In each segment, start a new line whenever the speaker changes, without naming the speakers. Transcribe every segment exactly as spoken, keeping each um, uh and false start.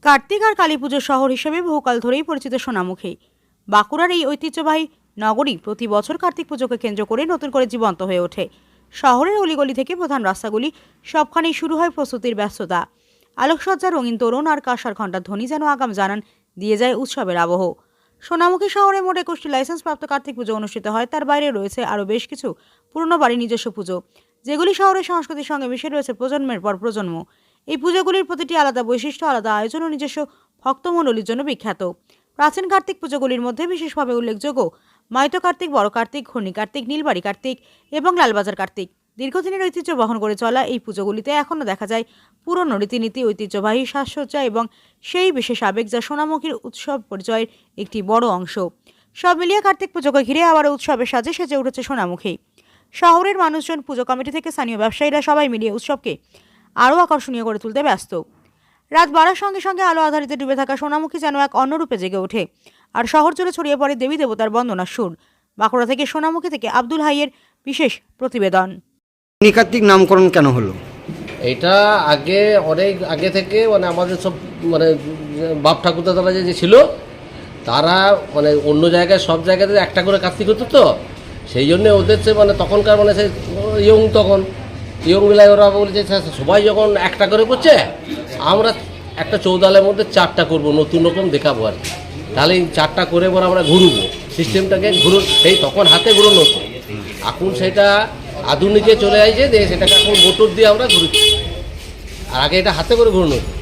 কার্তিক আর কালী পুজোর শহর হিসেবে বহুকাল ধরেই পরিচিত সোনামুখী। বাঁকুড়ার এই ঐতিহ্যবাহী নগরী প্রতি বছর কার্তিক পুজোকে কেন্দ্র করে নতুন করে জীবন্ত হয়ে ওঠে। শহরের অলিগলি থেকে প্রধান রাস্তাগুলি সবখানেই শুরু হয় প্রস্তুতির ব্যস্ততা। আলোকসজ্জা, রঙিন তোরণ আর কাঁসার ঘণ্টার ধ্বনি যেন আগাম জানান দিয়ে যায় উৎসবের আবহ। সোনামুখী শহরে মোট একুশটি লাইসেন্সপ্রাপ্ত কার্তিক পুজো অনুষ্ঠিত হয়। তার বাইরে রয়েছে আরও বেশ কিছু পুরনো বাড়ির নিজস্ব পুজো, যেগুলি শহরের সংস্কৃতির সঙ্গে মিশে রয়েছে প্রজন্মের পর প্রজন্ম। এই পুজোগুলির প্রতিটি আলাদা বৈশিষ্ট্য, আলাদা আয়োজন ও নিজস্ব ভক্তমণ্ডলীর জন্য বিখ্যাত। প্রাচীন কার্তিক পুজোগুলির মধ্যে বিশেষভাবে উল্লেখযোগ্য মাইতো কার্তিক, বড় কার্তিক, ঘূর্ণি কার্তিক, নীলবাড়ি কার্তিক এবং লালবাজার কার্তিক। দীর্ঘদিনের ঐতিহ্য বহন করে চলা এই পুজোগুলিতে এখনও দেখা যায় পুরনো রীতিনীতি, ঐতিহ্যবাহী সাজসজ্জা এবং সেই বিশেষ আবেগ যা সোনামুখীর উৎসব পরিচয়ের একটি বড় অংশ। সব মিলিয়ে কার্তিক পুজোকে ঘিরে আবার উৎসবের সাজে সেজে উঠেছে সোনামুখী। শহরের মানুষজন, পুজো কমিটি থেকে স্থানীয় ব্যবসায়ীরা সবাই মিলিয়ে উৎসবকে আরও আকর্ষণীয় করে তুলতে ব্যস্ত। রাত বাড়ার সঙ্গে সঙ্গে আলো আধারিতে ডুবে থাকা সোনামুখী যেন এক অন্য রূপে জেগে ওঠে, আর শহর জুড়ে ছড়িয়ে পড়ে দেবী দেবতার বন্দনার সুর। বাঁকুড়া থেকে সোনামুখী থেকে আব্দুল হাইয়ের বিশেষ প্রতিবেদন।
কার্তিক নামকরণ কেন হলো?
এটা আগে অনেক আগে থেকে মানে আমাদের সব মানে বাপ ঠাকুরদা তারা যে ছিল তারা মানে অন্য জায়গায় সব জায়গাতে একটা করে কার্তিক হতো, তো সেই জন্যে ওদের যে মানে তখনকার মানে সেই ইয়ং তখন ইয়ং বেলায় ওরা বলছে সবাই যখন একটা করে করছে আমরা একটা চৌদালের মধ্যে চারটা করব, নতুন রকম দেখাবো আর কি। তাহলে এই চারটা করে পর আমরা ঘুরবো, সিস্টেমটাকে ঘুরো, সেই তখন হাতে ঘুরোনো হতো। এখন সেটা আধুনিকে চলে আসছে যে সেটাকে এখন মোটর দিয়ে আমরা ঘুরছি, আর আগে এটা হাতে করে ঘুরনো হতো।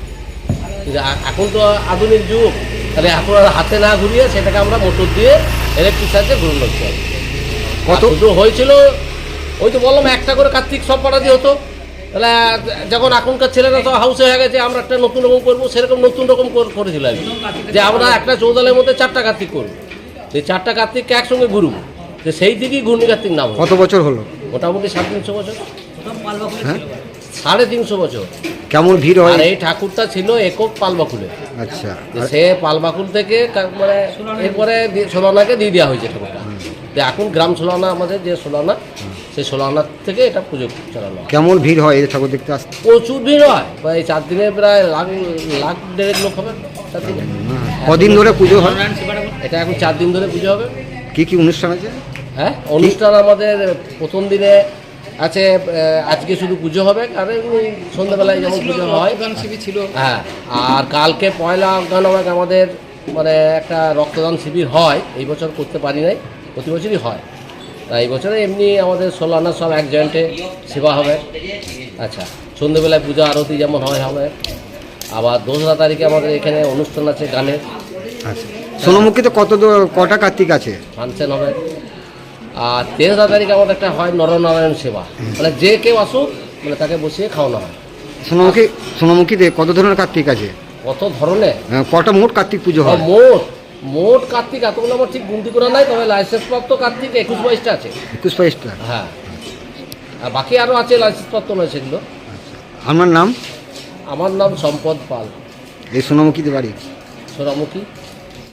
এখন তো আধুনিক যুগ, তাহলে এখন আর হাতে না ঘুরিয়ে সেটাকে আমরা মোটর দিয়ে ইলেকট্রিক সাহায্যে ঘুরনো হচ্ছে। কত শুধু হয়েছিল ওই তো বললাম একটা করে কার্তিক সব পাড়া দিয়ে হতো। তাহলে যখন এখনকার ছেলেরা তো হাউসে হয়ে গেছে আমরা একটা নতুন রকম করবো, সেরকম নতুন রকম করেছিল আর কি, যে আমরা একটা চৌদালের মধ্যে চারটা কার্তিক করবো, সেই চারটা কার্তিককে একসঙ্গে ঘুরবো, যে সেই দিকেই ঘূর্ণি কার্তিক নাম।
কত বছর হলো?
মোটামুটি সাড়ে তিনশো বছর। হ্যাঁ, সাড়ে তিনশো বছর।
কেমন ভিড় হয়?
আর এই ঠাকুরটা ছিল একক পালবাকুলে।
আচ্ছা,
সে পালবাকুল থেকে মানে এরপরে সোলানাকে দিয়ে দেওয়া হয়েছে ঠাকুরটা। এখন গ্রাম সোলানা আমাদের যে সোলানা, সেই সোলানার থেকে এটা পুজো চালানো।
কেমন ভিড় হয় এই ঠাকুর দেখতে আসতে?
প্রচুর ভিড় হয়, এই চার দিনে প্রায় লাখ লাখ দেড়েক লোক হবে চার দিনে।
কদিন ধরে পুজো হয়?
এটা এখন চার দিন ধরে পুজো হবে।
কি কি অনুষ্ঠান আছে?
হ্যাঁ, অনুষ্ঠান আমাদের প্রথম দিনে আছে, আজকে শুধু পুজো হবে, আর সন্ধ্যাবেলায় যেমন পুজো হয় ছিল। হ্যাঁ, আর কালকে পয়লা গান আমাদের মানে একটা রক্তদান শিবির হয়, এই বছর করতে পারি নাই, প্রতি বছরই হয়। তা এই বছরে এমনি আমাদের সোলানা সব এক জয়েন্টে সেবা হবে। আচ্ছা, সন্ধ্যেবেলায় পূজা আরতি যেমন হয় হবে। আবার দোসরা তারিখে আমাদের এখানে অনুষ্ঠান আছে গানের।
আচ্ছা, সোনামুখীতে কত কটা কার্তিক আছে?
ফাংশন হবে। আর তেসরা তারিখে আমাদের একটা হয় নরনারায়ণ সেবা, মানে যে কেউ আসুক মানে তাকে বসিয়ে খাওয়ানো হয়।
সোনামুখী সোনামুখীতে কত ধরনের কার্তিক আছে?
কত ধরনের?
কটা মোট কার্তিক পুজো হয়?
মোট মোট কার্তিক এতগুলো আমার ঠিক গুনতি করা নাই, তবে লাইসেন্সপ্রাপ্ত কার্তিক একুশ বাইশটা আছে।
একুশ বাইশটা?
হ্যাঁ, আর বাকি আরও আছে লাইসেন্সপ্রাপ্ত নয় সেগুলো।
আপনার নাম?
আমার নাম সম্পদ পাল।
এই সোনামুখীতে বাড়ি?
সোনামুখী।